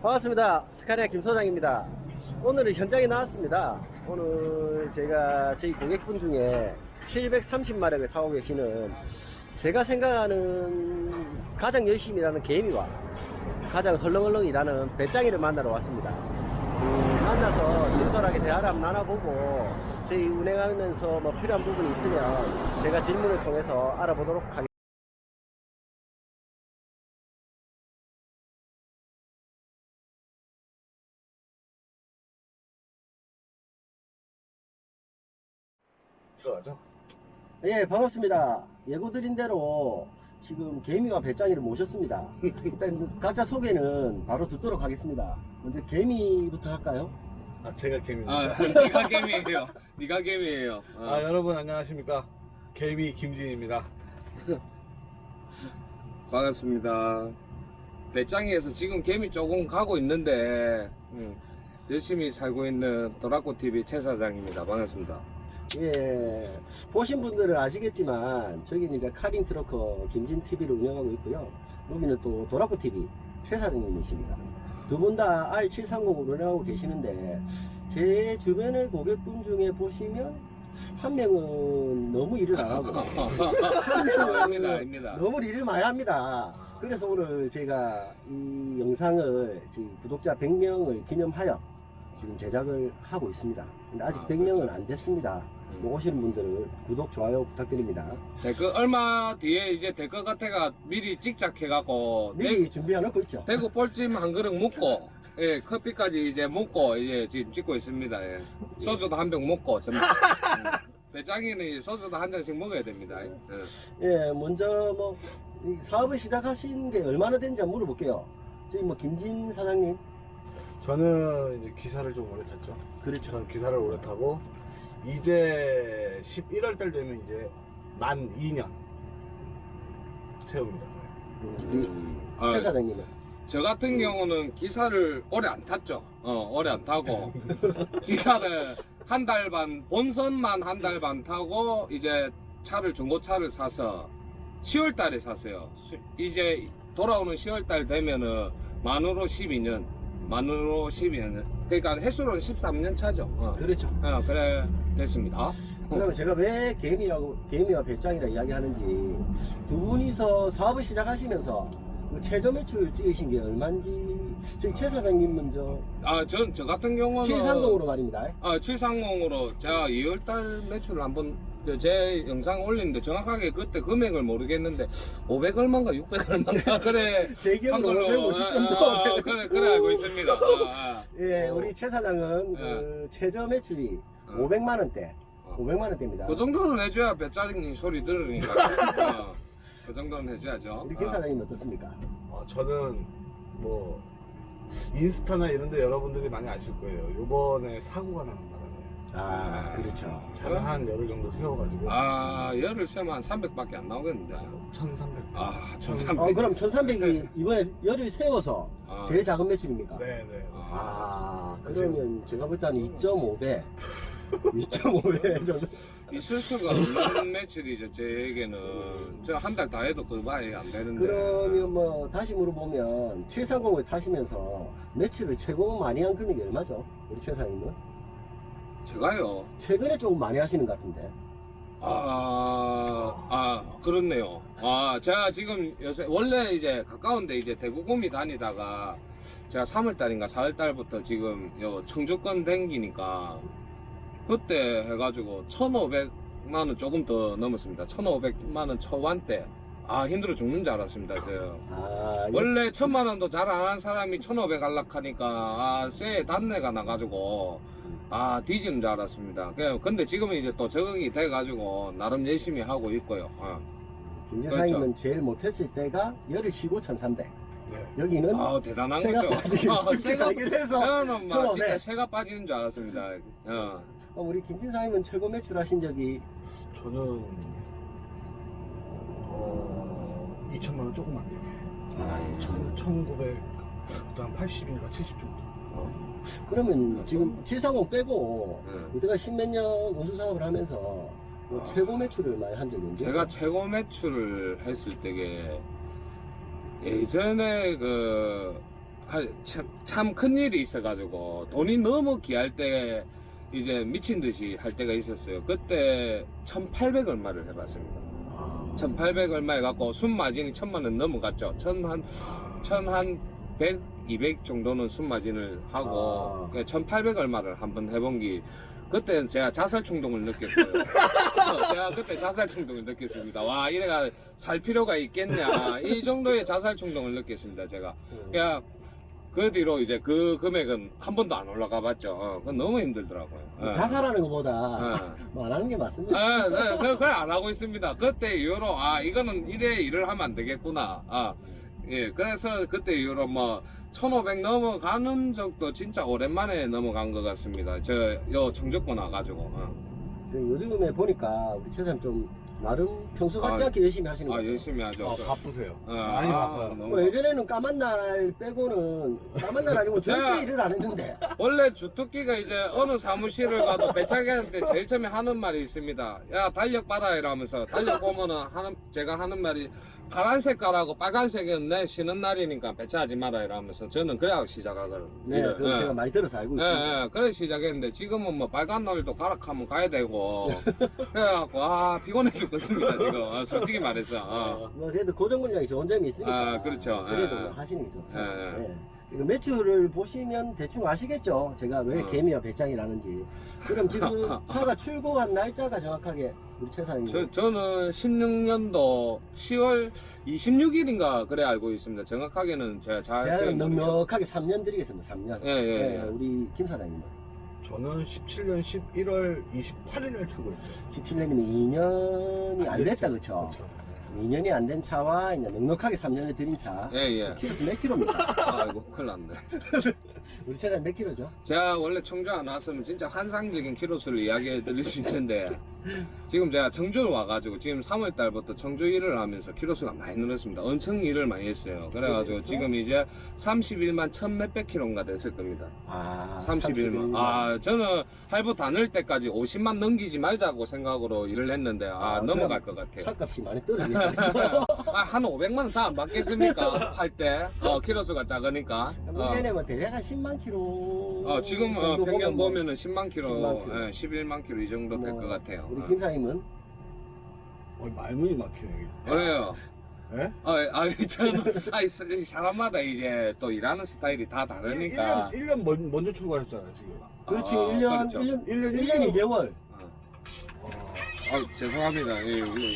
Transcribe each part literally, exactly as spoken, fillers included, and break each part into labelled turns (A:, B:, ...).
A: 반갑습니다. 스카리아 김 소장입니다. 오늘은 현장에 나왔습니다. 오늘 제가 저희 고객분 중에 칠백삼십 마력을 타고 계시는 제가 생각하는 가장 열심히 일하는 개미와 가장 헐렁헐렁 일하는 배짱이를 만나러 왔습니다. 음, 만나서 친절하게 대화를 한번 나눠보고 저희 운행하면서 뭐 필요한 부분이 있으면 제가 질문을 통해서 알아보도록 하겠습니다.
B: 들어가죠?
A: 예, 반갑습니다. 예고드린 대로 지금 개미와 배짱이를 모셨습니다. 일단 각자 소개는 바로 듣도록 하겠습니다. 먼저 개미부터 할까요?
B: 아, 제가 개미입니다.
C: 아, 네가 개미예요. 네가 개미예요. 어.
B: 아, 여러분 안녕하십니까? 개미 김진입니다.
C: 반갑습니다. 배짱이에서 지금 개미 조금 가고 있는데 음, 열심히 살고 있는 도라코티비 최 사장입니다. 반갑습니다.
A: 예, 보신 분들은 아시겠지만 저기는 이제 카링 트러커 김진티비를 운영하고 있고요. 여기는 또 도라코티비 최 사장님이십니다. 두 분 다 알 칠삼공을 운영하고 계시는데 제 주변의 고객분 중에 보시면 한 명은 너무 일을 안 하고 한 명은
C: 아닙니다, 아닙니다.
A: 너무 일을 많이 합니다. 그래서 오늘 제가 이 영상을 저희 구독자 백 명을 기념하여 지금 제작을 하고 있습니다. 근데 아직
C: 아,
A: 백 명은
C: 그렇죠.
A: 안 됐습니다.
C: 음.
A: 뭐 오시는 분들은 구독, 좋아요 부탁드립니다.
C: 댓글 얼마 뒤에 이제 댓글 같아가 미리 찍작해갖고
A: 미리 준비해놓고 있죠.
C: 대구 볼찜 한 그릇 먹고 예, 커피까지 이제 먹고 이제 지금 찍고 있습니다. 예. 소주도 한 병 먹고 전 음. 배짱이는 소주도 한 잔씩 먹어야 됩니다. 예.
A: 예, 먼저 뭐 이 사업을 시작하신 게 얼마나 된지 한번 물어볼게요. 저희 뭐 김진 사장님.
B: 저는 이제 기사를 좀 오래 탔죠.
A: 그렇죠.
B: 저는 기사를 오래 타고 이제 십일월 달 되면 이제 만 이 년 채웁니다.
C: 음.
A: 최
C: 아,
A: 사장님은.
C: 저 같은 경우는 기사를 오래 안 탔죠. 어, 오래 안 타고 기사를 한 달 반, 본선만 한 달 반 타고 이제 차를 중고차를 사서 시월 달에 샀어요. 수- 이제 돌아오는 시월 달 되면은 만으로 십이 년, 만으로 십이 년. 그러니까 횟수로는 십삼 년 차죠. 어,
A: 그렇죠.
C: 어, 그래 됐습니다.
A: 그러면 제가 왜 개미라고 개미와 배짱이라 이야기하는지 두 분이서 사업을 시작하시면서 그 최저 매출 찍으신 게 얼마인지 저희 최 사장님 먼저
C: 아, 전 저 같은 경우는
A: 칠삼공으로 말입니다.
C: 아, 칠삼공으로 제가 이월 달 매출을 한번 그제 영상 올리는데 정확하게 그때 금액을 모르겠는데 오백 얼마인가 육백 얼마인가 그래
A: 대기업은
C: 한 걸로
A: 오백오십 정도.
C: 아, 아, 그래 그래 알고 있습니다. 아, 아.
A: 예,
C: 어.
A: 우리 최 사장은 그 최저 매출이
C: 어.
A: 오백만 원대,
C: 어.
A: 오백만 원대입니다.
C: 그 정도는 해줘야 배짜증님 소리 들으니까 어, 그 정도는 해줘야죠.
A: 우리 김
C: 아.
A: 사장님 어떻습니까?
B: 어, 저는 뭐 인스타나 이런 데 여러분들이 많이 아실 거예요. 요번에 사고가 나는 바람에
A: 아, 그렇죠.
B: 차를 한 열흘 정도 세워가지고
C: 아, 열을 세면 한 삼백밖에 안 나오겠는데.
B: 천삼백.
C: 아,
A: 어,
C: 천삼백.
A: 그럼 천삼백이 이번에 열을 세워서
C: 아.
A: 제일 작은 매출입니까?
B: 네네.
A: 아, 그러면 제가 볼 때는 이 점 오 배, 이 점 오 배 정도.
C: 있을 수가 없는 매출이죠. 제에게는 저 한 달 다 해도 그 바에 안 되는데.
A: 그러면 뭐 다시 물어보면 칠삼공을 타시면서 매출을 최고 많이 한 금액이 얼마죠? 우리 최 사장님은?
C: 제가요.
A: 최근에 조금 많이 하시는 것 같은데.
C: 아, 아, 그렇네요. 아, 제가 지금 요새, 원래 이제 가까운데 이제 대구구미 다니다가 제가 삼월 달인가 사월 달부터 지금 요 청주권 댕기니까 그때 해가지고 천오백만 원 조금 더 넘었습니다. 천오백만 원 초반대. 아, 힘들어 죽는 줄 알았습니다. 저.
A: 아, 이게
C: 원래 천만 원도 잘 안 하는 사람이 천오백 할락하니까 아, 쇠 단내가 나가지고 아 뒤지는 줄 알았습니다. 그냥 근데 지금은 이제 또 적응이 돼가지고 나름 열심히 하고 있고요. 어.
A: 김
C: 그렇죠.
A: 사장님은 제일 못했을 때가 열을 쉬고 천삼백.
B: 네.
A: 여기는
C: 아 대단한
A: 새가
C: 거죠.
A: 빠지기
C: 어,
A: 쉽게
C: 새가
A: 살기를 해서
C: 저는 막
A: 천오백.
C: 진짜 새가 빠지는 줄 알았습니다. 어.
A: 어, 우리 김진 사장님은 최고 매출 하신 적이
B: 저는 어 이천만 원 조금 안 되게.
A: 아,
B: 천 천구백 그다음 팔십인가 칠십 정도.
A: 그러면 지금 칠삼공 빼고
C: 네.
A: 그때가 십몇 년 운수 사업을 하면서 뭐
C: 아.
A: 최고 매출을 많이 한 적이 언제?
C: 제가 최고 매출을 했을 때게 예전에 그 참, 참 큰일이 있어가지고 돈이 너무 귀할 때 이제 미친 듯이 할 때가 있었어요. 그때 천팔백 얼마를 해봤습니다. 천팔백 얼마 해갖고 순마진이 천만 원 넘어갔죠. 천한 천한 백, 이백 정도는 순마진을 하고
A: 아.
C: 천팔백 얼마를 한번 해본 게 그때 제가 자살 충동을 느꼈어요. 제가 그때 자살 충동을 느꼈습니다. 와, 이래가 살 필요가 있겠냐. 이 정도의 자살 충동을 느꼈습니다, 제가. 그냥 그 뒤로 이제 그 금액은 한 번도 안 올라가 봤죠. 어, 그건 너무 힘들더라고요. 어.
A: 자살하는 것보다
C: 어.
A: 뭐 안 하는 게 맞습니다.
C: 아, 네, 그- 그걸 안 하고 있습니다. 그때 이후로, 아, 이거는 이래 일을 하면 안 되겠구나. 아, 예, 그래서 그때 이후로 뭐, 천오백 넘어가는 적도 진짜 오랜만에 넘어간 것 같습니다. 저, 요 청주권 와가지고. 어.
A: 그 요즘에 보니까 우리 최사님 좀 나름 평소 같지
C: 아,
A: 않게 열심히 하시는 거
C: 아,
A: 같아요.
C: 열심히 하죠.
B: 아,
C: 그-
B: 바쁘세요.
C: 어,
B: 많이
C: 아,
B: 바빠요.
C: 너무
A: 뭐 예전에는 까만 날 빼고는 까만 날 아니고 절대
C: 제가-
A: 일을 안 했는데
C: 원래 주특기가 이제 어느 사무실을 가도 배차기한테 제일 처음에 하는 말이 있습니다. 야, 달력 봐라 이러면서 달력 보면은 하는 제가 하는 말이 파란색 깔하고 빨간색은 내 쉬는 날이니까 배차하지 마라 이러면서 저는 그래야 시작하거든요.
A: 네, 그건 제가 많이 들어서 알고
C: 예,
A: 있습니다.
C: 예, 그래 시작했는데 지금은 뭐 빨간 날도 가락하면 가야 되고 그래갖고 아 피곤해 죽겠습니다 지금 아, 솔직히 말해서 어.
A: 뭐 그래도 고정 물량이 좋은 점이 있으니까
C: 아, 그렇죠.
A: 그래도
C: 예, 예.
A: 하시는 게 좋죠.
C: 예, 예.
A: 예. 이거 매출을 보시면 대충 아시겠죠? 제가 왜
C: 어.
A: 개미와 배짱이라는지. 그럼 지금 차가 출고한 날짜가 정확하게 우리 최사님.
C: 저, 저는 십육 년도 시월 이십육일인가 그래 알고 있습니다. 정확하게는 제가 잘
A: 제가
C: 기억이 모르겠네요.
A: 넉넉하게 삼 년 드리겠습니다. 삼 년.
C: 예, 예,
A: 예,
C: 예.
A: 우리 김 사장님은
B: 저는 십칠 년 십일월 이십팔일을 출고했어요.
A: 십칠 년이면 이 년이 안 됐다, 그쵸?
B: 그렇죠.
A: 이 년이 안 된 차와 이제 넉넉하게 삼 년을 들인 차.
C: 예, 예.
A: 키로 몇 킬로입니까?
C: 아이고, 큰일 났네.
A: 우리 최사님 몇 킬로죠?
C: 제가 원래 청주 안 왔으면 진짜 환상적인 키로수를 이야기해 드릴 수 있는데, 지금 제가 청주를 와가지고, 지금 삼월 달부터 청주 일을 하면서 키로수가 많이 늘었습니다. 엄청 일을 많이 했어요. 그래가지고
A: 그랬어?
C: 지금 이제 삼십일만 천 몇백 킬로인가 됐을 겁니다.
A: 아,
C: 삼십일만. 아, 저는 할부 다 넣을 때까지 오십만 넘기지 말자고 생각으로 일을 했는데, 아,
A: 아,
C: 넘어갈
A: 그럼
C: 것 같아요.
A: 차값이 많이 떨어지겠죠?
C: 아, 한 오백만 원 다 안 받겠습니까? 할 때. 어, 키로수가 작으니까. 어.
A: 평균에 뭐 대략 한 십만 킬로.
C: 어, 지금 어,
A: 정도
C: 평균
A: 보면 뭐
C: 보면은 십만 킬로,
A: 십만 킬로.
C: 예, 십일만 킬로 이 정도 될
A: 뭐,
C: 것 같아요.
A: 우리
C: 어.
A: 김 사장님은
B: 어, 말문이 막히네.
C: 그래요.
B: 예?
C: 아, 아, 저는, 아, 사람마다 이제 또 일하는 스타일이 다 다르니까.
B: 일 년 먼, 먼저 출고하셨잖아요, 지금.
A: 그렇지,
C: 아,
A: 일 년,
C: 그렇죠.
A: 일 년,
B: 일 년,
A: 일 년 이 개월.
C: 어.
B: 어,
C: 아, 죄송합니다. 예, 우리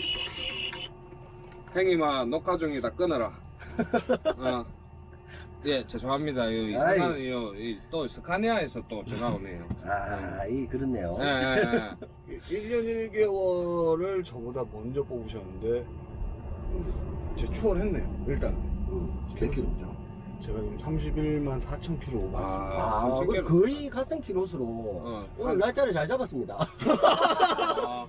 C: 행님아, 녹화 중이다 끊어라. 어. 예, 죄송합니다. 이 이상한,
A: 아이.
C: 요, 이, 또 스카니아에서 또 전화 오네요.
A: 아, 이, 그렇네요.
C: 예, 예, 예.
B: 일 년 일 개월을 저보다 먼저 뽑으셨는데, 제 추월했네요, 일단은.
A: 음, 몇 킬로죠?
B: 제가 지금 삼십일만 사천 킬로 오버했습니다.
C: 아,
A: 아,
C: 삼십
A: 그럼
C: 킬로.
A: 거의 같은 킬로수로
C: 어,
A: 오늘
C: 한-
A: 날짜를 잘 잡았습니다.
C: 아,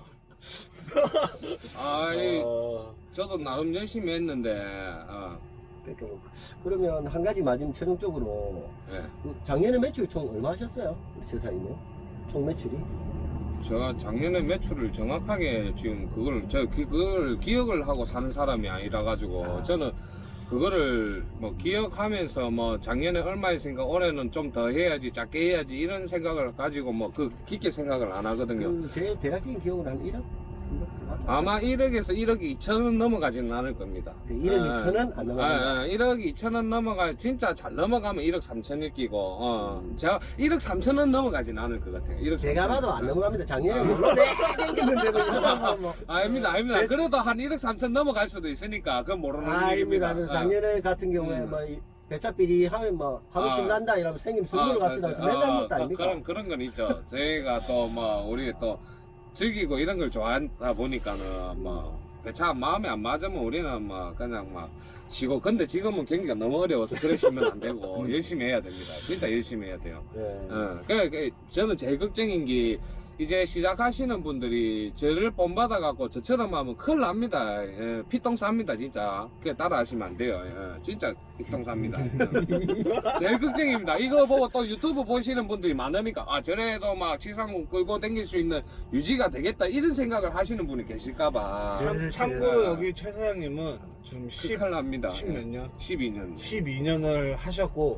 C: 아, 이,
B: 아,
C: 저도 나름 열심히 했는데, 어,
A: 그러니까 그러면 한 가지 맞으면 최종적으로
C: 예.
A: 그 작년에 매출 총 얼마 하셨어요? 우리 최사님은? 총 매출이?
C: 제가 작년에 매출을 정확하게 지금 그걸, 저, 그걸 기억을 하고 사는 사람이 아니라 가지고,
A: 아.
C: 저는 그거를 뭐 기억하면서 뭐 작년에 얼마 했으니까 올해는 좀 더 해야지, 작게 해야지, 이런 생각을 가지고 뭐 그 깊게 생각을 안 하거든요.
A: 그 제 대략적인 기억으로 한 일억?
C: 아마 일억에서 일억 이천은 넘어가지는 않을 겁니다.
A: 그 일억
C: 아,
A: 이천은 안 넘어간다.
C: 아, 아, 일억 이천은 넘어가, 진짜 잘 넘어가면 일억 삼천일 끼고, 어, 제가 일억 삼천은 넘어가지는 않을 것 같아요. 일억
A: 제가
C: 삼천.
A: 봐도 안 넘어갑니다. 작년에
C: 아.
A: 물론 내가 땡겼는데 뭐. 뭐.
C: 아닙니다, 아닙니다.
A: 네.
C: 그래도 한 일억 삼천 넘어갈 수도 있으니까, 그건 모르는
A: 아닙니다.
C: 일입니다.
A: 아닙니다. 작년에 같은 경우에
C: 음.
A: 뭐 이 배차비리 하면 뭐 하루
C: 아.
A: 신난다 이러면 생김 선물로 갑시다 하면서 맨날 묻다
C: 그-
A: 아닙니까?
C: 그런, 그런 건 있죠. 저희가 또 뭐, 우리 또 즐기고 이런 걸 좋아하다 보니까는 뭐, 배차 마음에 안 맞으면 우리는 뭐, 그냥 막 쉬고. 근데 지금은 경기가 너무 어려워서 그러시면 안 되고, 열심히 해야 됩니다. 진짜 열심히 해야 돼요.
A: 네.
C: 어, 그, 그, 저는 제일 걱정인 게, 이제 시작하시는 분들이 저를 본받아갖고 저처럼 하면 큰일 납니다. 예, 피똥 쌉니다, 진짜. 그게 따라 하시면 안 돼요. 예, 진짜 피똥 쌉니다. 예. 제일 걱정입니다. 이거 보고 또 유튜브 보시는 분들이 많으니까, 아, 저래도 막 치상공 끌고 다닐 수 있는 유지가 되겠다, 이런 생각을 하시는 분이 계실까봐.
B: 참, 참고로 여기 최 사장님은 지금 십,
C: 큰일 납니다.
B: 십 몇 년?
C: 십이 년.
B: 십이 년을 하셨고,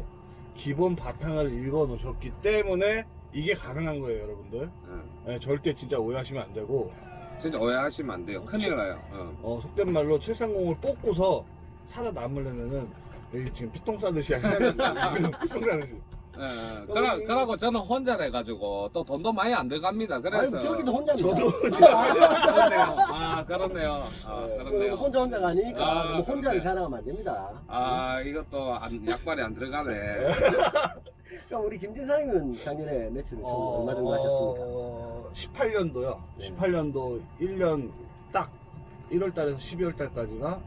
B: 기본 바탕을 읽어 놓으셨기 때문에 이게 가능한 거예요, 여러분들.
C: 응.
B: 네, 절대 진짜 오해하시면 안 되고,
C: 진짜 오해하시면 안 돼요. 큰일 나요. 어.
B: 어, 속된 말로 칠백삼십을 뽑고서 살아남으려면은 여기 지금 피똥 싸듯이 하면 피똥 싸듯이.
C: 예, 예. 그러, 그러고 저는 혼자 해가지고 또 돈도 많이 안 들어갑니다. 그래서
A: 아니, 저기도 혼자입니다.
B: 저도
C: 아, 그렇네요. 아, 그렇네요. 아,
A: 그
C: 그렇네요.
A: 혼자 혼자가 아니니까
C: 아,
A: 너무 혼자를
C: 그렇네.
A: 자랑하면 안 됩니다.
C: 아, 이것도 안, 약발이 안 들어가네.
A: 그럼 우리 김진상님은 작년에 매출을 총 얼마 정도 하셨습니까?
B: 어, 십팔 년도요.
A: 네.
B: 십팔 년도 일 년 딱 일월 달에서 십이월 달까지가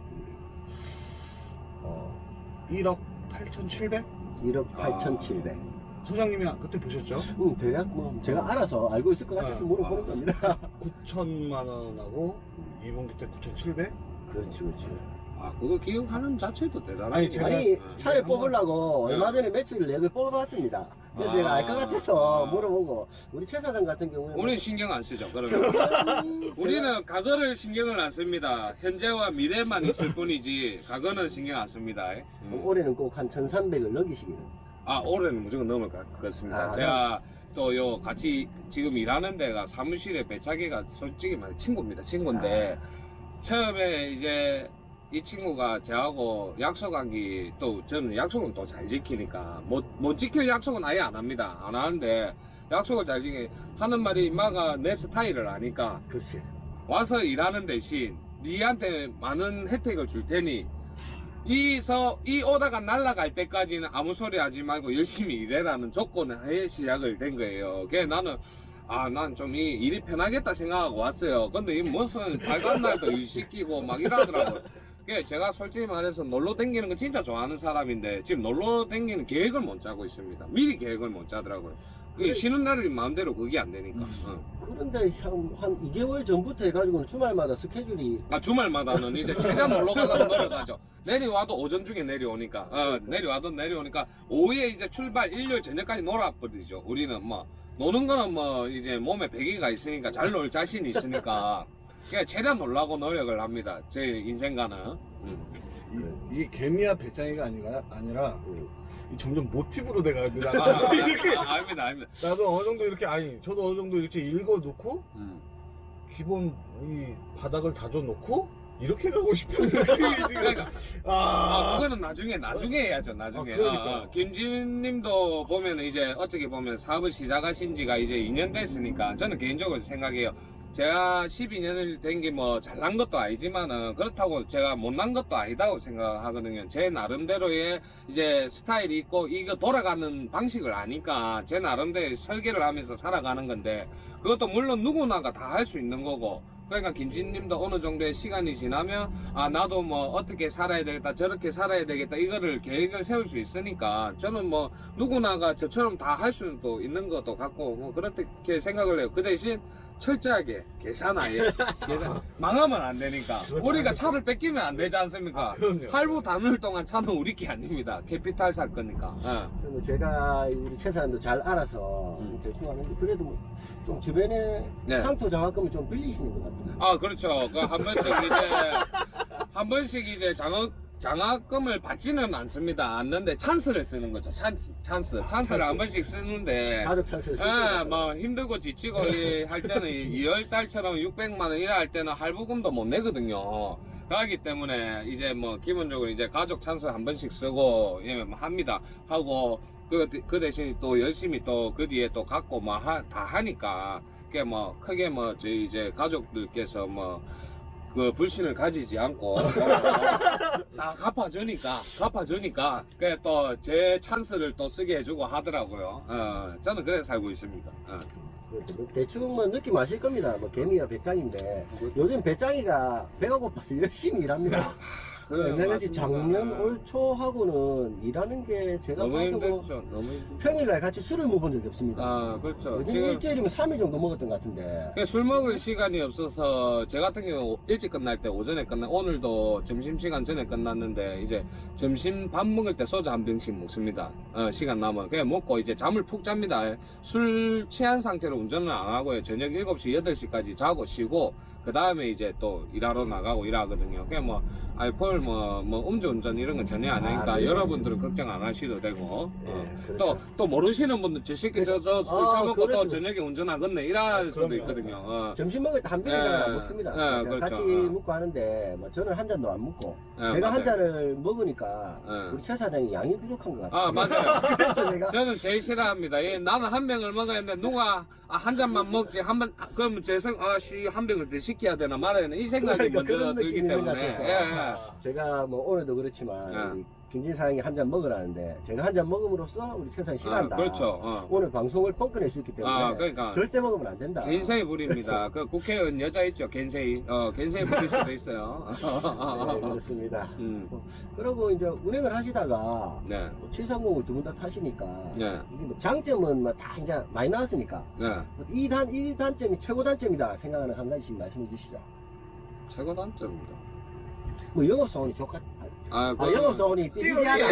B: 어, 일억 팔천칠백?
A: 일억 팔천칠백.
B: 소장님이 그때 보셨죠?
A: 음, 대략 뭐 제가 알아서 알고 있을 것 같아서
B: 아,
A: 물어보는
B: 아.
A: 겁니다.
B: 구천만 원하고 이분기 때 구천칠백?
A: 그렇지, 그렇지.
C: 아, 그거 기억하는 자체도 대단하네.
B: 아니, 제가-
A: 아니,
C: 어.
A: 차를
B: 한번-
A: 뽑으려고
C: 네.
A: 얼마 전에 매출 내역을 뽑아봤습니다. 그래서
C: 아.
A: 제가 알 것 같아서
C: 아.
A: 물어보고, 우리 최 사장 같은 경우에는.
C: 우리는 신경 안 쓰죠. 그러면.
A: 제가-
C: 우리는 과거를 신경을 안 씁니다. 현재와 미래만 있을 뿐이지 과거는 신경 안 씁니다. 음.
A: 올해는 꼭 한 천삼백을 넘기시기를.
C: 아, 올해는 무조건 넘을 것 같습니다.
A: 아,
C: 제가 또 요 같이 지금 일하는 데가 사무실에 배차기가 솔직히 말해 친구입니다. 친구인데 처음에 이제 이 친구가 저하고 약속한 게 또 저는 약속은 또 잘 지키니까 못, 못 지킬 약속은 아예 안 합니다. 안 하는데 약속을 잘 지키 하는 말이 인마가 내 스타일을 아니까
A: 그렇지.
C: 와서 일하는 대신 니한테 많은 혜택을 줄 테니 이서 이 오다가 날아갈 때까지는 아무 소리 하지 말고 열심히 일해라는 조건을 하에 시작을 된 거예요. 그래 나는 아 난 좀 이 일이 편하겠다 생각하고 왔어요. 근데 이 무슨 빨간 날도 일 시키고 막 이러더라고요. 그래 제가 솔직히 말해서 놀러 다니는 거 진짜 좋아하는 사람인데 지금 놀러 다니는 계획을 못 짜고 있습니다. 미리 계획을 못 짜더라고요. 그게
A: 그래.
C: 쉬는 날이 마음대로 그게 안 되니까. 어.
A: 그런데 한, 한 이 개월 전부터 해가지고는 주말마다 스케줄이.
C: 아 주말마다는 이제 최대한 놀러 가려고 노력하죠. 내려와도 오전 중에 내려오니까 어, 내려와도 내려오니까 오후에 이제 출발 일요일 저녁까지 놀아버리죠. 우리는 뭐 노는 거는 뭐 이제 몸에 배기가 있으니까 잘 놀 자신이 있으니까 그냥 최대한 놀라고 노력을 합니다. 제 인생과는. 음.
B: 이, 이게 개미와 배짱이가 아니라, 아니라 이 점점 모티브로 돼가는데
C: 아,
B: 나도
C: 아,
B: 이렇게
C: 아, 아닙니다, 아닙니다.
B: 나도 어느 정도 이렇게 아니 저도 어느 정도 이렇게 읽어놓고
C: 음.
B: 기본 이 바닥을 다져놓고 이렇게 가고 싶은 느낌이 지금
C: 그러니까 아,
B: 아,
C: 그거는 나중에, 나중에 해야죠, 나중에.
B: 아, 그러니까.
C: 어, 어. 김진 님도 보면 이제 어떻게 보면 사업을 시작하신 지가 이제 이 년 됐으니까 저는 개인적으로 생각해요. 제가 십이 년을 된 게 뭐 잘난 것도 아니지만은 그렇다고 제가 못난 것도 아니다고 생각하거든요. 제 나름대로의 이제 스타일이 있고 이거 돌아가는 방식을 아니까 제 나름대로 설계를 하면서 살아가는 건데 그것도 물론 누구나가 다 할 수 있는 거고 그러니까 김진님도 어느 정도의 시간이 지나면 아 나도 뭐 어떻게 살아야 되겠다 저렇게 살아야 되겠다 이거를 계획을 세울 수 있으니까 저는 뭐 누구나가 저처럼 다 할 수도 있는 것도 같고 뭐 그렇게 생각을 해요. 그 대신 철저하게 계산하에 계산 망하면 안 되니까
B: 그렇죠.
C: 우리가 차를 뺏기면 안 되지 않습니까?
B: 아, 그럼요.
C: 할부 담을 동안 차는 우리 게 아닙니다. 캐피탈 살 거니까. 어.
A: 그리고 제가 우리 최 사장도 잘 알아서
C: 음.
A: 대충 하는데 그래도 뭐좀 주변에
C: 네.
A: 향토 장학금을 좀 빌리시는 것 같아요.
C: 아 그렇죠. 그 한 번씩 이제 한 번씩 이제 장학 장학금을 받지는 않습니다. 않는데 찬스를 쓰는 거죠. 찬스 찬스 찬스를 한 번씩 쓰는데.
A: 가족 찬스를 쓰시는
C: 예,
A: 것 같아요.
C: 뭐 힘들고 지치고 이 할 때는 이월 달처럼 육백만 원 일할 때는 할부금도 못 내거든요. 그렇기 때문에 이제 뭐 기본적으로 이제 가족 찬스 한 번씩 쓰고 예, 뭐 합니다. 하고 그, 그 대신 또 열심히 또 그 뒤에 또 갖고 뭐 다 하니까 그게 뭐 크게 뭐 저희 이제 가족들께서 뭐 그 불신을 가지지 않고 다 갚아주니까 갚아주니까 그게 또 제 찬스를 또 쓰게 해주고 하더라고요. 어, 저는 그래 살고 있습니다. 어.
A: 그 대충 뭐 느낌 아실 겁니다. 뭐 개미와 배짱인데 요즘 배짱이가 배가 고파서 열심히 일합니다.
C: 그래,
A: 내가
C: 맞습니다.
A: 작년
C: 어.
A: 올 초하고는 일하는 게 제가
C: 너무
A: 봐도 뭐
C: 힘들죠. 너무 힘들죠.
A: 평일날 같이 술을 먹은 적이 없습니다.
C: 아 그렇죠.
A: 요즘
C: 지금
A: 일주일이면 삼 일 정도 먹었던 것 같은데.
C: 그술 먹을 시간이 없어서 제 같은 경우 일찍 끝날 때 오전에 끝나 오늘도 점심시간 전에 끝났는데 이제 점심 밥 먹을 때 소주 한 병씩 먹습니다. 어, 시간 남으면 그냥 먹고 이제 잠을 푹 잡니다. 술 취한 상태로 운전을 안 하고요. 저녁 일곱 시 여덟 시까지 자고 쉬고 그 다음에 이제 또 일하러 나가고 일하거든요. 그냥 뭐 알코올 뭐, 뭐 음주운전 이런 건 전혀 안 하니까
A: 아, 네.
C: 여러분들은 걱정 안 하셔도 되고
A: 네,
C: 어.
A: 그렇죠.
C: 또, 또 모르시는 분들 저 새끼 저저 술
A: 아,
C: 처먹고 또
A: 그렇습니다.
C: 저녁에 운전하겠네 이럴 수도
B: 그럼요.
C: 있거든요. 어.
A: 점심 먹을 때 한 병이상
C: 예,
A: 안 먹습니다.
C: 예,
A: 제가
C: 그렇죠.
A: 같이
C: 어.
A: 먹고 하는데 뭐 저는 한 잔도 안 먹고
C: 예,
A: 제가
C: 맞아요.
A: 한 잔을 먹으니까
C: 예.
A: 우리 최 사장이 양이 부족한 것 같아요.
C: 아 맞아요.
A: 그래서 제가
C: 저는 제일 싫어합니다. 예, 나는 한 병을 먹었는데 누가 아, 한 잔만 먹지 한 번 그러면 제생 아씨 한 병을 더 시켜야 되나 말아야 되나 이 생각이
A: 그러니까
C: 먼저
A: 그런
C: 들기
A: 느낌이 있는 것
C: 때문에
A: 같아서.
C: 예, 예.
A: 제가 뭐 오늘도 그렇지만
C: 예.
A: 우리 김진 사장이 한 잔 먹으라는데 제가 한 잔 먹음으로써 우리 최 사장이 싫어한다.
C: 아, 그렇죠. 어.
A: 오늘 방송을 뻥꺼낼 수 있기 때문에
C: 아 그러니까
A: 절대 먹으면 안 된다.
C: 겐세이 부립니다. 그 국회의원 여자 있죠, 겐세이. 어, 겐세이 부릴 수도 있어요.
A: 네, 그렇습니다.
C: 음,
A: 그리고 이제 운행을 하시다가
C: 네,
A: 뭐 칠삼공을 두 분 다 타시니까
C: 네,
A: 이게 뭐 장점은 뭐 다 이제 많이 나왔으니까
C: 네.
A: 이 단, 이 단점이 최고 단점이다 생각하는 한 가지씩 말씀해 주시죠.
C: 최고 단점입니다.
A: 뭐 영업사원이 좋겠,
C: 아,
A: 아,
C: 그거는-
A: 영업사원이 삐삐하다.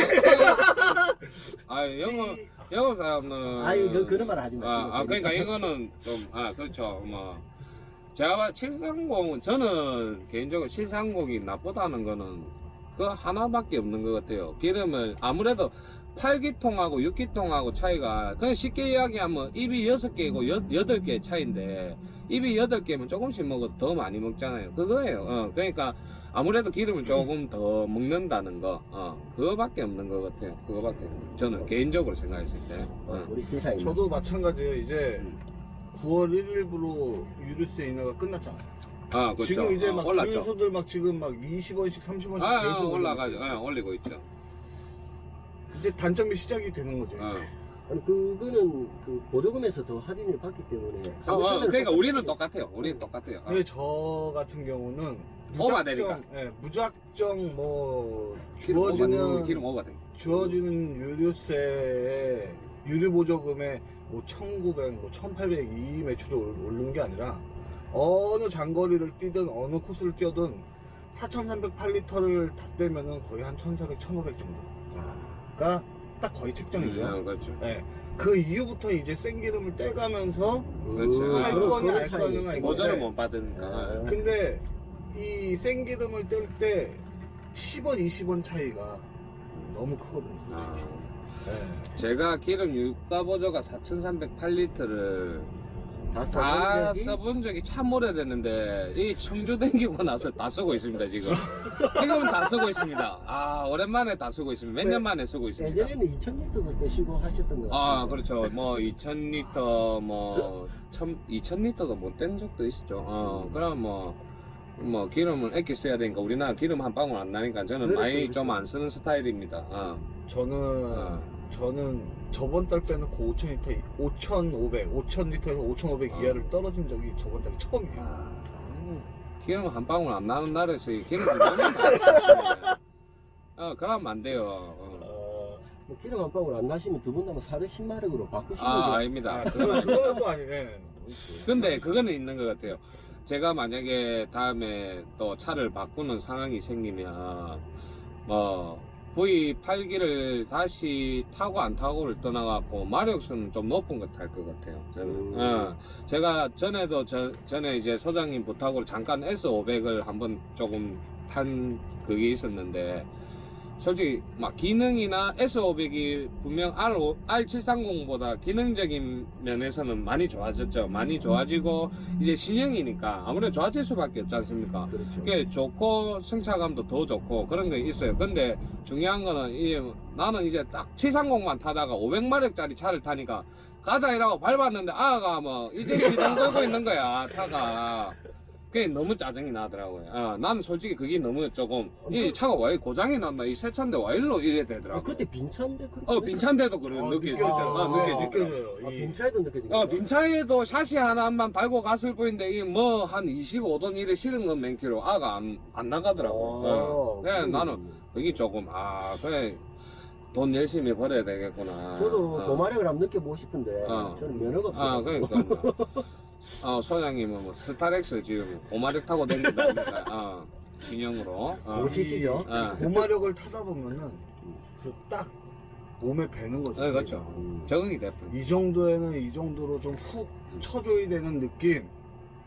C: 아, 영업, 영업 사람은.
A: 아이, 그, 그런 말 하지 마시고.
C: 아, 아, 그러니까 이거는 좀, 아, 그렇죠. 뭐. 제가 봐, 칠삼공은, 저는 개인적으로 칠삼공이 나쁘다는 거는 그 하나밖에 없는 것 같아요. 기름을 아무래도 팔 기통하고 육 기통하고 차이가, 그냥 쉽게 이야기하면 입이 여섯 개고 여덟 개 차이인데, 입이 여덟 개면 조금씩 먹어도 더 많이 먹잖아요. 그거예요. 어, 그러니까 아무래도 기름을 조금 더 먹는다는 거, 어, 그거밖에 없는 것 같아요. 그거밖에. 저는 개인적으로 생각했을 때.
A: 어,
C: 어.
A: 우리 신사님.
B: 저도 마찬가지예요. 이제 구월 일일부로 유류세 인하가 끝났잖아요.
C: 아, 그렇죠.
B: 지금 이제
C: 어,
B: 막
C: 올랐죠.
B: 주유소들 막 지금 막 이십 원씩 삼십 원씩
C: 아, 아,
B: 계속
C: 올라가죠.
B: 올리고 있어요.
C: 예, 올리고 있죠.
B: 이제 단점이 시작이 되는 거죠. 이제.
C: 어.
A: 아니, 그거는 그 보조금에서 더 할인을 받기 때문에.
C: 어, 어,
A: 한국
C: 그러니까 우리는
A: 똑같아요.
C: 똑같아요. 우리는 똑같아요. 어.
B: 근데 저 같은 경우는
C: 오바되니까.
B: 무작정, 예, 무작정 뭐
C: 기름 오바,
B: 주어지는
C: 기름 오바돼.
B: 주어지는 유류세에 유류 보조금에 뭐 천구백, 뭐 천팔백 이 매출이 올- 오르는 게 아니라 어느 장거리를 뛰든 어느 코스를 뛰어든 사천삼백팔 리터를 다 떼면은 거의 한 천사백, 천오백 정도가 딱 거의 책정이죠.
C: 음, 그렇죠.
B: 예. 그 이후부터 이제 생기름을 떼가면서
C: 그렇지.
A: 음,
B: 할
A: 그런-
B: 거냐
A: 그런
B: 알
A: 차이.
B: 거냐가 이거.
C: 모자를
B: 네.
C: 못 받으니까.
A: 아.
B: 근데 이 생기름을 뗄 때 십 원, 이십 원 차이가 너무 크거든요.
C: 아.
B: 솔직히. 네.
C: 제가 기름 유가 보조가 사천삼백팔 리터를
A: 다
C: 다
A: 써본 적이
C: 써본 적이 참 오래됐는데 이 청주 댕기고 나서 다 쓰고 있습니다 지금. 지금은 다 쓰고 있습니다. 아 오랜만에 다 쓰고 있습니다. 몇 년 만에 쓰고 있습니다.
A: 예전에는 이천 리터도 떼시고 하셨던 것 같아요.
C: 아 그렇죠. 뭐 이천 리터 뭐 천, 이천 리터도 못 뗀 적도 있었죠. 어 그럼 뭐. 뭐 기름을 아껴 써야 되니까 우리나라 기름 한 방울 안 나니까 저는
A: 그렇죠,
C: 많이
A: 그렇죠.
C: 좀 안 쓰는 스타일입니다. 어.
B: 저는
C: 어.
B: 저는 저번 달 빼놓고 오천 리터, 오천오백, 오천 리터에서 오천오백
C: 어.
B: 이하를 떨어진 적이 저번 달이 처음이에요.
C: 아, 기름 한 방울 안 나는 날에서 이 기름 좀 넣으면 안 돼요. 어, 그러면 안 돼요. 어.
B: 어,
A: 뭐 기름 한 방울 안 나시면 두 분 다면 사백십 마력으로 바꾸시는
C: 아,
A: 게
C: 아닙니다.
B: 아,
C: 그건
B: 그건
C: 아닙니다.
B: 그건 또 아니네.
C: 근데 그거는 있는 것 같아요. 제가 만약에 다음에 또 차를 바꾸는 상황이 생기면 뭐 브이 팔 기를 다시 타고 안 타고를 떠나갖고 마력수는 좀 높은 것 탈 것 같아요. 저는.
A: 음.
C: 어, 제가 전에도 저, 전에 이제 소장님 부탁으로 잠깐 에스 오백을 한번 조금 탄 그게 있었는데 솔직히 막 기능이나 에스 오백이 분명 알 칠삼공보다 기능적인 면에서는 많이 좋아졌죠. 많이 좋아지고 이제 신형이니까 아무래도 좋아질 수밖에 없지 않습니까?
A: 그렇죠.
C: 그게 좋고 승차감도 더 좋고 그런 게 있어요. 근데 중요한 거는 이 나는 이제 딱 칠삼공만 타다가 오백 마력짜리 차를 타니까 가자 이라고 밟았는데 아가 뭐 이제 시동 걸고 있는 거야 차가. 그게 너무 짜증이 나더라고요. 어, 나는 솔직히 그게 너무 조금 이 차가 왜 고장이 났나 이 새 차인데 왜 일로 이래
A: 아,
C: 되더라고.
A: 그때 빈차인데 그렇게
C: 어 빈차인데도 그래
B: 어,
C: 느껴져.
B: 느껴져요.
C: 어, 느껴져.
B: 느껴져요.
A: 아,
B: 이-
A: 빈차에도 느껴지고.
C: 어, 빈차에도 샤시 하나만 달고 갔을 뿐인데, 이 뭐, 한 이십오 돈 이래 실은 건 몇 킬로, 아가 안, 안 나가더라고. 어. 그래, 나는, 그게 조금, 아, 그래, 돈 열심히 벌어야 되겠구나.
A: 저도
C: 어.
A: 도마력을 한번 느껴보고 싶은데
C: 어.
A: 저는 면허가 없어요.
C: 아, 그러니까. 뭐. 어, 소장님은 뭐, 스타렉스 지금 오마력 타고 다닌다니까, 어, 신형으로. 어.
A: 오시시죠?
C: 어.
B: 고마력을 타다 보면은 그 딱 몸에 배는 거죠.
C: 네, 그렇죠.
A: 음.
C: 적응이 됐군.
B: 이 정도에는 이 정도로 좀 훅 쳐줘야 되는 느낌.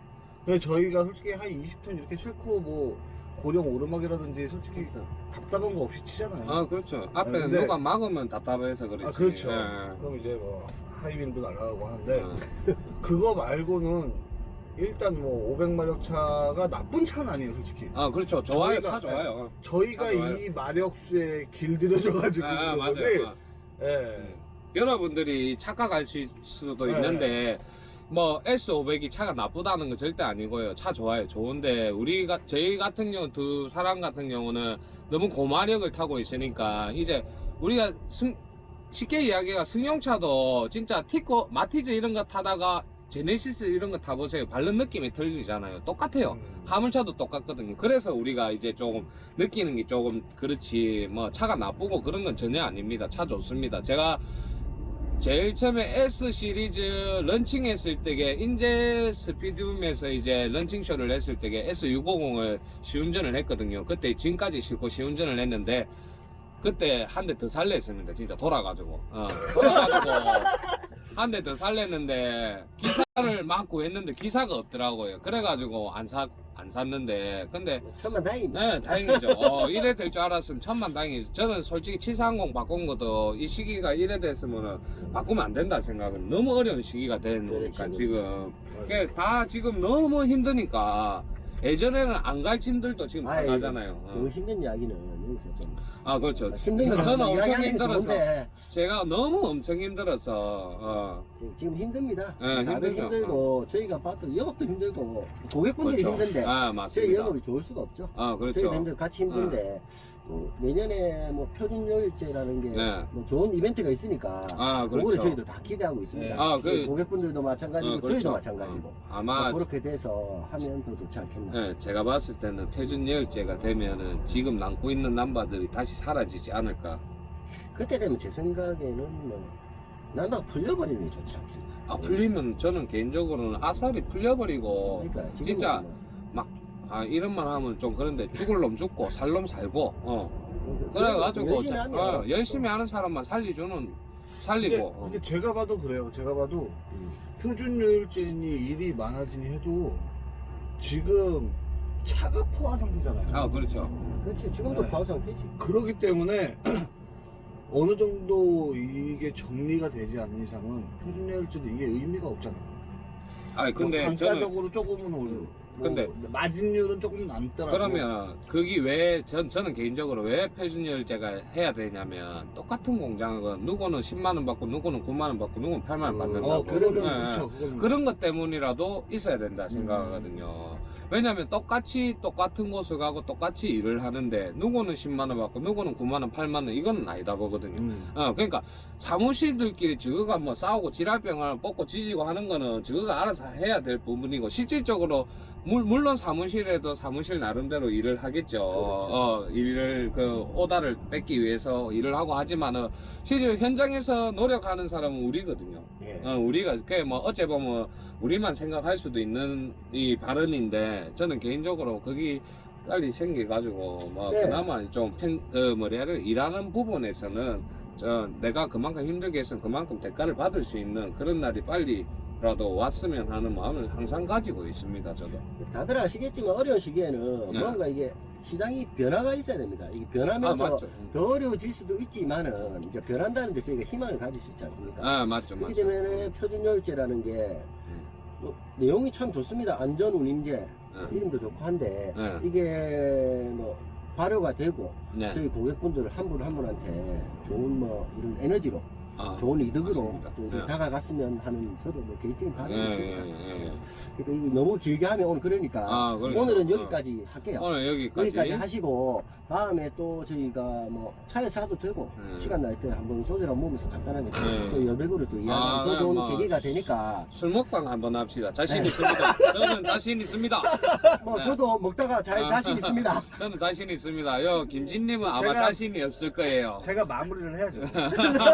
B: 근데 저희가 솔직히 한 이십 톤 이렇게 싣고 뭐 고령 오르막이라든지 솔직히 답답한 거 없이 치잖아요.
C: 아 그렇죠. 앞에
B: 네, 근데-
C: 누가 막으면 답답해서 그렇지.
B: 아, 그렇죠.
C: 예.
B: 그럼 이제 뭐 하이빈도 날아가고 하는데
C: 어.
B: 그거 말고는 일단 뭐 오백 마력 차가 나쁜 차는 아니에요, 솔직히.
C: 아 그렇죠. 좋아요.
B: 저희가-
C: 차 좋아요.
B: 저희가
C: 아, 좋아요.
B: 이 마력수에 길들여져가지고
C: 아,
B: 그런
C: 맞아요.
B: 거지.
C: 어.
B: 예.
C: 여러분들이 착각하실 수도
B: 네.
C: 있는데 뭐 에스 오백이 차가 나쁘다는 건 절대 아니고요. 차 좋아요. 좋은데 우리가 저희 같은 경우 두 사람 같은 경우는 너무 고마력을 타고 있으니까 이제 우리가 승, 쉽게 이야기가 승용차도 진짜 티코 마티즈 이런 거 타다가 제네시스 이런 거 타보세요. 밟는 느낌이 틀리잖아요. 똑같아요.
B: 음.
C: 화물차도 똑같거든요. 그래서 우리가 이제 조금 느끼는 게 조금 그렇지 뭐 차가 나쁘고 그런 건 전혀 아닙니다. 차 좋습니다. 제가 제일 처음에 S 시리즈 런칭 했을 때게 인제 스피드움에서 이제 런칭쇼를 했을 때게 에스 육백오십을 시운전을 했거든요. 그때 짐까지 싣고 시운전을 했는데 그때 한 대 더 살렸습니다. 진짜 돌아가지고 어, 돌아가지고 한 대 더 살렸는데 기사를 막 구했는데 기사가 없더라고요. 그래가지고 안 사, 안 샀는데 근데
A: 천만 다행입니다.
C: 네, 다행이죠. 어, 이래 될 줄 알았으면 천만 다행이죠. 저는 솔직히 칠삼공 바꾼 것도 이 시기가 이래 됐으면은 바꾸면 안 된다 생각은 너무 어려운 시기가 되니까
A: 그렇지,
C: 지금. 그게 다 지금 너무 힘드니까 예전에는 안 갈 짐들도 지금 다
A: 아이,
C: 가잖아요.
A: 너무
C: 어.
A: 힘든 이야기는 여기서 좀
C: 아, 그렇죠.
A: 힘든 거
C: 저는 엄청
A: 이야기하는 게
C: 힘들어서.
A: 좋은데
C: 제가 너무 엄청 힘들어서, 어.
A: 지금 힘듭니다.
C: 네,
A: 다들
C: 힘들죠.
A: 힘들고 저희가 봐도 영업도 힘들고 고객분들이
C: 그렇죠.
A: 힘든데
C: 아,
A: 저희
C: 맞습니다.
A: 영업이 좋을 수가 없죠.
C: 아, 그렇죠.
A: 저희 vendor 같이 힘든데 또 내년에 뭐 표준요일제라는 게
C: 네.
A: 뭐 좋은 이벤트가 있으니까
C: 아,
A: 그거를
C: 그렇죠.
A: 저희도 다 기대하고 있습니다.
B: 네.
C: 아,
A: 저희
C: 그-
A: 고객분들도 마찬가지고
C: 어, 그렇죠.
A: 저희도 마찬가지고
C: 어, 아마
A: 뭐 그렇게 돼서 하면 더 좋지 않겠나.
C: 네, 제가 봤을 때는 표준여일제가 되면은 지금 남고 있는 남바들이 다시 사라지지 않을까.
A: 그때 되면 제 생각에는 뭐 난방 풀려버리는 게 좋지 않겠나.
C: 아, 풀리면 저는 개인적으로는 아싸리 풀려버리고,
A: 그러니까 지금
C: 진짜 아, 이런 말 하면 좀 그런데 죽을 놈 죽고 살 놈 살고, 어. 그래가지고,
A: 열심히
C: 자-
A: 하면
C: 어, 열심히 하는 사람만 살리주는
B: 근데,
C: 살리고. 어.
B: 근데 제가 봐도 그래요. 제가 봐도
A: 음.
B: 표준요일제니 일이 많아지니 해도 지금 차가 포화 상태잖아요.
C: 아, 그렇죠.
A: 그렇지 지금도
B: 네.
A: 과호 상태지.
B: 그렇기 때문에 어느 정도 이게 정리가 되지 않는 이상은 표준요일제도 이게 의미가 없잖아요.
C: 아니, 근데
B: 뭐
C: 저는,
B: 단가적으로 조금은 올려.
C: 근데-
B: 뭐 마진율은 조금 남더라고.
C: 그러면 거기 왜, 전, 저는 개인적으로 왜 표준여일제가 해야 되냐면, 똑같은 공장은 누구는 십만 원 받고, 누구는 구만 원 받고, 누구는 팔만 원 받는다고.
B: 어, 그거는
C: 예,
B: 그렇죠. 그거는.
C: 그런 것 때문이라도 있어야 된다 생각하거든요. 왜냐면 똑같이 똑같은 곳을 가고 똑같이 일을 하는데 누구는 십만 원 받고 누구는 구만 원, 팔만 원 이건 아니다 보거든요.
B: 음.
C: 어, 그러니까 사무실들끼리 저거가 뭐 싸우고 지랄병을 뽑고 지지고 하는 거는 저거가 알아서 해야 될 부분이고 실질적으로 물, 물론 사무실에도 사무실 나름대로 일을 하겠죠. 어, 일을 그 오다를 뺏기 위해서 일을 하고 하지만은 실제 현장에서 노력하는 사람은 우리거든요.
A: 예.
C: 어, 우리가 그게 뭐 어째 보면 우리만 생각할 수도 있는 이 발언인데 저는 개인적으로 거기 빨리 생겨가지고 뭐
A: 네.
C: 그나마 좀 팬, 어, 뭐라 해야 돼 일하는 부분에서는 저 내가 그만큼 힘들게 했으면 그만큼 대가를 받을 수 있는 그런 날이 빨리라도 왔으면 하는 마음을 항상 가지고 있습니다. 저도.
A: 다들 아시겠지만 어려운 시기에는
C: 네.
A: 뭔가 이게 시장이 변화가 있어야 됩니다. 이게
C: 아
A: 변하면서
C: 맞죠.
A: 더 어려워질 수도 있지만은 이제 변한다는 데 저희가 희망을 가질 수 있지 않습니까?
C: 아 맞죠
A: 그렇기
C: 맞죠.
A: 때문에 표준요일제라는 게 뭐, 내용이 참 좋습니다. 안전운임제
C: 네.
A: 이름도 좋고 한데
C: 네.
A: 이게 뭐 발효가 되고
C: 네.
A: 저희 고객분들 한 분 한 분한테 좋은 뭐 이런 에너지로
C: 아,
A: 좋은 이득으로
C: 맞습니다.
A: 또 이렇게
C: 네.
A: 다가갔으면 하는 저도 뭐 개인적인
C: 예,
A: 바람이
C: 예,
A: 있습니다.
C: 예, 예.
A: 그러니까 이거 너무 길게 하면 오늘 그러니까
C: 아, 그러니까.
A: 오늘은
C: 어.
A: 여기까지 할게요.
C: 오늘 여기까지.
A: 여기까지 하시고 다음에 또 저희가 뭐 차에서 하도 되고
C: 음.
A: 시간 날 때 한번 소주랑 먹으면서 간단하게
C: 네.
A: 또 여백으로 또 이야기하면
C: 아,
A: 더 좋은
C: 뭐.
A: 계기가 되니까
C: 술 먹방 한번 합시다. 자신
A: 네.
C: 있습니다. 저는 자신 있습니다.
A: 뭐
C: 네.
A: 저도 먹다가 잘
C: 아.
A: 자신 있습니다.
C: 저는 자신 있습니다. 요 김진님은 아마
B: 제가-
C: 자신이 없을 거예요.
B: 제가 마무리를 해야죠.
C: 아,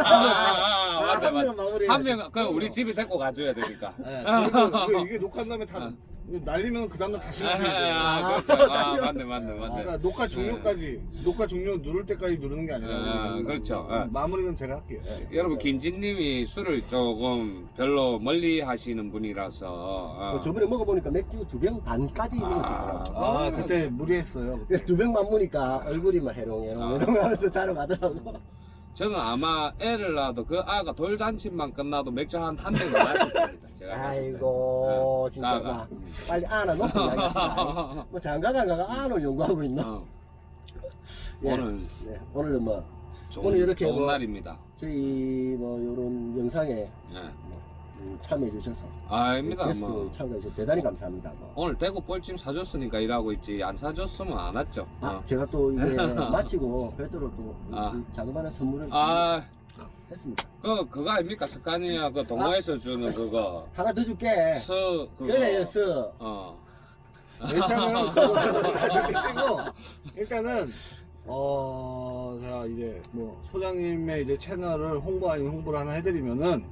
C: 아, 아, 맞다,
A: 한
C: 맞다.
A: 명 마무리
C: 한 명, 그 우리 집에 데리고 가줘야 되니까.
B: 네. 그리고 이게 녹화한 다음에 다
C: 어.
B: 날리면 그 다음날 다시
C: 아,
B: 마시면 돼요.
C: 아, 그렇죠. 아, 맞네, 맞네, 맞네.
B: 그러니까 녹화 종료까지 녹화 종료 누를 때까지 누르는 게 아니라
C: 아, 그렇죠. 아.
B: 마무리는 제가 할게요. 예.
C: 여러분 김진님이 술을 조금 별로 멀리 하시는 분이라서 어.
A: 뭐 저번에 먹어보니까 맥주 두 병 반까지 먹었었더라고.
C: 아,
B: 아 그때 무리했어요.
A: 두 병만 먹으니까 얼굴이 막 해롱해롱
C: 아.
A: 해롱 하면서 자러 가더라고.
C: 저는 아마 애를 낳아도 그 아가 돌잔치만 끝나도 맥주 한 한 병 마실 겁니다. 제가 봤을 때.
A: 아이고
C: 네.
A: 진짜
C: 나가.
A: 막 빨리 안아 놓고 이야기합시다. 뭐 장가 장가가 안을 연구하고 있나?
C: 어.
A: 예.
C: 오늘
A: 네, 오늘은 뭐
C: 좋은,
A: 오늘 이렇게
C: 좋은
A: 뭐-
C: 날입니다.
A: 저희 뭐 이런 영상에
C: 네.
A: 음, 참여해 주셔서
C: 아닙니다.
A: 게스트
C: 뭐.
A: 참여해 주셔서 대단히 감사합니다. 뭐.
C: 오늘 대구 뻘찜 사줬으니까 일하고 있지 안 사줬으면 안 왔죠.
A: 아
C: 어.
A: 제가 또 이게 마치고 별도로 또
C: 아.
A: 이 자그마한 선물을
C: 아,
A: 했습니다.
C: 그 그거 아닙니까? 스카니아 그 동호회에서 주는 그거
A: 하나 더 줄게.
C: 서 그거.
A: 그래 서
C: 어.
B: 일단은 그거 드시고 일단은 어 제가 이제 뭐 소장님의 이제 채널을 홍보 아닌 홍보를 하나 해드리면은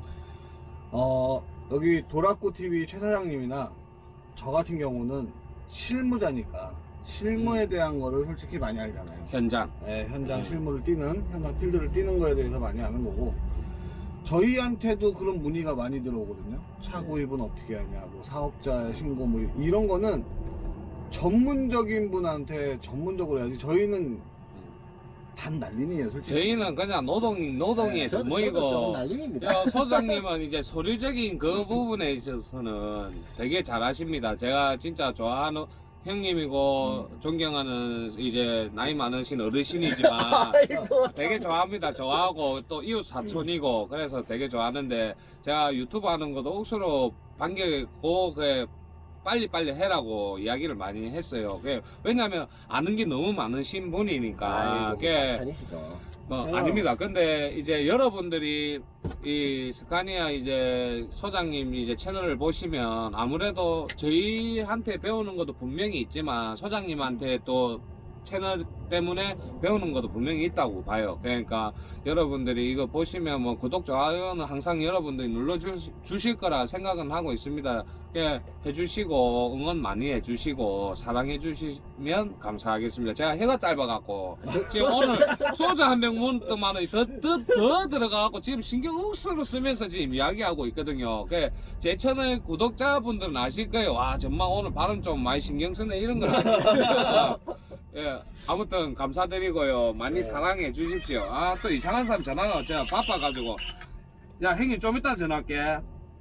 B: 어 여기 도라꾸 티비 최 사장님이나 저 같은 경우는 실무자니까 실무에 대한 거를 솔직히 많이 알잖아요.
C: 현장.
B: 예, 현장
C: 음.
B: 실무를 뛰는 현장 필드를 뛰는 거에 대해서 많이 아는 거고 저희한테도 그런 문의가 많이 들어오거든요. 차 구입은 어떻게 하냐, 뭐 사업자 신고 뭐 이런 거는 전문적인 분한테 전문적으로 해야지. 저희는 반 난린이에요, 솔직히.
C: 저희는 그냥 노동 노동의
A: 네, 저도,
C: 전문이고.
A: 저도 좀 날림입니다.
C: 야, 소장님은 이제 서류적인 그 부분에 있어서는 되게 잘하십니다. 제가 진짜 좋아하는 형님이고 존경하는 이제 나이 많으신 어르신이지만
A: 아이고,
C: 되게
A: 참.
C: 좋아합니다. 좋아하고 또 이웃 사촌이고 그래서 되게 좋아하는데 제가 유튜브 하는 것도 억수로 반겨고 그 빨리빨리 해라고 이야기를 많이 했어요. 그 왜냐면 아는 게 너무 많으신 분이니까.
A: 아이고,
C: 그게
A: 찬이시죠.
C: 뭐
B: 네.
C: 아닙니다. 근데 이제 여러분들이 이 스카니아 이제 소장님 이제 채널을 보시면 아무래도 저희한테 배우는 것도 분명히 있지만 소장님한테 또 채널 때문에 배우는 것도 분명히 있다고 봐요. 그러니까 여러분들이 이거 보시면 뭐 구독, 좋아요는 항상 여러분들이 눌러주실 거라 생각은 하고 있습니다. 예, 해주시고 응원 많이 해주시고 사랑해주시면 감사하겠습니다. 제가 해가 짧아갖고 지금 오늘 소주 한 병 먹더만 더, 더, 더 들어가갖고 지금 신경 억수로 쓰면서 지금 이야기하고 있거든요. 그 제 채널 구독자분들은 아실 거예요. 와 정말 오늘 발음 좀 많이 신경 쓰네 이런 걸 아실 거예요. 예, 아무튼 감사드리고요. 많이
A: 네.
C: 사랑해 주십시오. 아, 또 이상한 사람 전화가 제가 바빠가지고. 야, 형님 좀 이따 전화할게.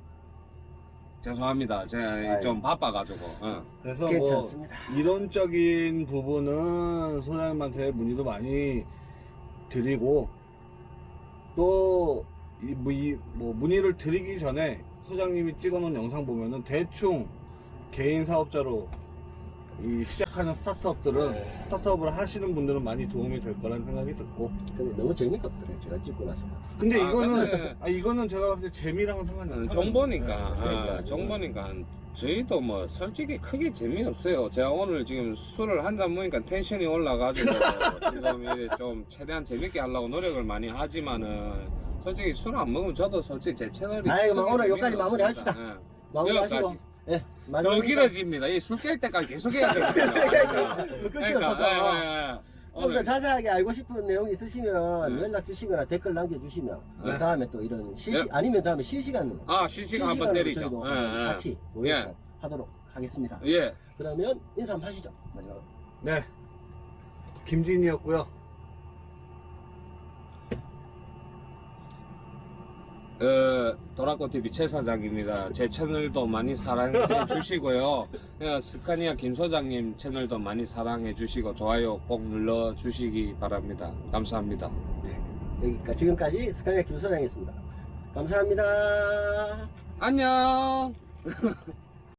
C: 죄송합니다. 제가
A: 아유.
C: 좀 바빠가지고. 어.
B: 그래서
A: 괜찮습니다.
B: 뭐 이론적인 부분은 소장님한테 문의도 많이 드리고 또 이, 뭐, 이, 뭐 문의를 드리기 전에 소장님이 찍어놓은 영상 보면은 대충 개인 사업자로 이 시작하는 스타트업들은
A: 네.
B: 스타트업을 하시는 분들은 많이 도움이 될 거라는 생각이 듣고
A: 근데 너무 재밌었더래 제가 찍고 나서.
B: 근데
C: 아,
B: 이거는
C: 근데-
B: 아 이거는 제가 봤을 때 재미랑은 상관이
C: 음,
B: 없어요.
C: 정보니까.
A: 네, 그러니까.
C: 아, 정보니까. 저희도 뭐 솔직히 크게 재미없어요. 제가 오늘 지금 술을 한 잔 먹으니까 텐션이 올라가지고 지금 이제 좀 최대한 재밌게 하려고 노력을 많이 하지만은 솔직히 술 안 먹으면 저도 솔직히 제 채널이
A: 아이고,
C: 크게
A: 오늘 여기까지
C: 재미가
A: 마무리합시다.
C: 없습니다. 예.
A: 마무리하시고.
C: 여기까지.
A: 예.
C: 더
A: 마지막
C: 길어집니다. 이 술 깰 때까지 계속 해야 되거든요.
A: 끝이 없어서.
C: 예, 예, 예.
A: 좀 더
C: 오늘
A: 자세하게 알고 싶은 내용이 있으시면
C: 네.
A: 연락 주시거나 댓글 남겨주시면
C: 네.
A: 다음에 또 이런 실시
C: 네.
A: 아니면 다음에 실시간으로
C: 아 실시간 한번 때리죠.
A: 저희도
C: 예, 예.
A: 같이 모여서 하도록 하겠습니다.
C: 예.
A: 그러면 인사 한번 하시죠. 마지막으로.
B: 네 김진이었고요.
C: 어, 도라코티비 최 사장입니다. 제 채널도 많이 사랑해 주시고요. 어, 스카니아 김 소장님 채널도 많이 사랑해 주시고 좋아요 꼭 눌러 주시기 바랍니다. 감사합니다.
A: 여기까지 지금까지 스카이아 김 소장이었습니다. 감사합니다.
C: 안녕.